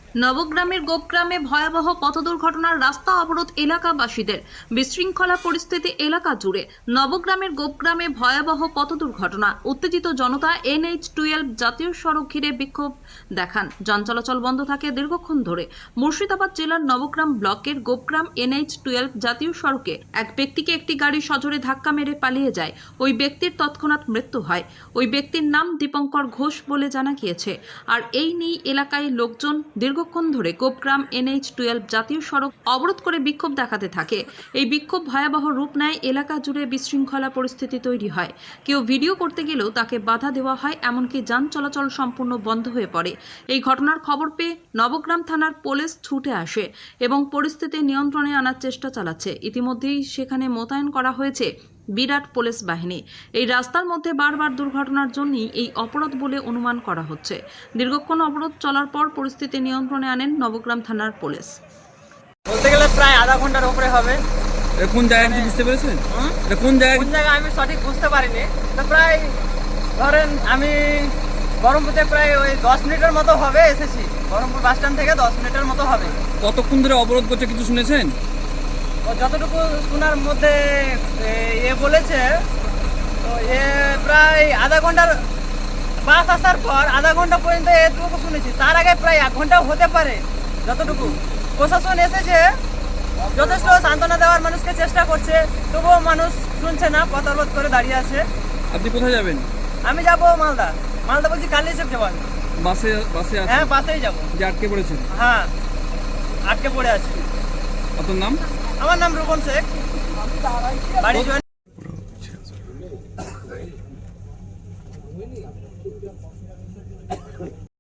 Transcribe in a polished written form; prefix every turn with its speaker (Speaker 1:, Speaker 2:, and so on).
Speaker 1: নবগ্রামের গোপগ্রামে ভয়াবহ পথ দুর্ঘটনার রাস্তা অবরোধ এলাকাবাসীদের। বিশৃঙ্খলা পরিস্থিতি এলাকা জুড়ে। নবগ্রামের গোপগ্রামে ভয়াবহ পথ দুর্ঘটনা। উত্তেজিত জনতা NH-12 জাতীয় সড়ক ঘিরে বিক্ষোভ দেখান। যান চলাচল বন্ধ থাকে দীর্ঘক্ষণ ধরে। মুর্শিদাবাদ জেলার নবগ্রাম ব্লকের গোপগ্রাম NH-12 জাতীয় সড়কে এক ব্যক্তিকে একটি গাড়ি সজোরে ধাক্কা মেরে পালিয়ে যায়। ওই ব্যক্তির তৎক্ষণাৎ মৃত্যু হয়। ওই ব্যক্তির নাম দীপঙ্কর ঘোষ বলে জানা গিয়েছে। আর এই নিয়ে এলাকায় লোকজন দীর্ঘক্ষণ ধরে গোপগ্রাম NH-12 জাতীয় সড়ক অবরোধ করে বিক্ষোভ দেখাতে থাকে। এই বিক্ষোভ ভয়াবহ রূপ নেয়। এলাকা জুড়ে বিশৃঙ্খলা পরিস্থিতি তৈরি হয়। কেউ ভিডিও করতে গেলেও তাকে বাধা দেওয়া হয়, এমনকি যান চলাচল সম্পূর্ণ বন্ধ হয়ে পড়ে। এই ঘটনার খবর পেয়ে নবগ্রাম থানার পুলিশ ছুটে আসে এবং পরিস্থিতি নিয়ন্ত্রণে আনার চেষ্টা চালাচ্ছে। ইতিমধ্যেই সেখানে মোতায়েন করা হয়েছে বিরাট পুলিশ বাহিনী। এই রাস্তার মধ্যে বারবার দুর্ঘটনার জন্যই এই অবরোধ বলে অনুমান করা হচ্ছে। দীর্ঘক্ষণ অবরোধ চলার পর পরিস্থিতি নিয়ন্ত্রণে আনেন নবগ্রাম থানার পুলিশ।
Speaker 2: বলতে গেলে প্রায় আধা ঘন্টার উপরে হবে।
Speaker 3: এটা কোন জায়গা কি বুঝতে পেরেছেন? এটা কোন জায়গা?
Speaker 2: আমি সঠিক বুঝতে পারিনি। তো প্রায় ধরেন আমি বহরমপুরতে প্রায় ওই 10 মিনিটের মতো হবে এসেছি। বহরমপুর বাস স্ট্যান্ড থেকে 10 মিনিটের মতো হবে।
Speaker 3: কতক্ষণ ধরে অবরোধ করছে কিছু শুনেছেন?
Speaker 2: ও যতটুকু শোনার মধ্যে বলেছে, তো প্রায় আধা ঘন্টার বাস আসার পর আধা ঘন্টা পর্যন্ত এটুকু শুনেছি। তার আগে প্রায় 1 ঘন্টাও হতে পারে। যতটুকু প্রশাসন এসেছে যথেষ্ট সান্ত্বনা দেওয়ার মানুষকে চেষ্টা করছে, তবুও মানুষ শুনছে না, পথ অবরোধ করে দাঁড়িয়ে আছে।
Speaker 3: আপনি কোথায় যাবেন?
Speaker 2: আমি যাব মালদা বলছি কালি এসে যাবো আমি।
Speaker 3: বাসে আছে?
Speaker 2: হ্যাঁ, বাসেই যাবো।
Speaker 3: যে আটকে পড়েছেন?
Speaker 2: হ্যাঁ, আটকে পড়ে আছি।
Speaker 3: আপনার নাম?
Speaker 2: আমার নাম রূপন শেখ, বাড়ি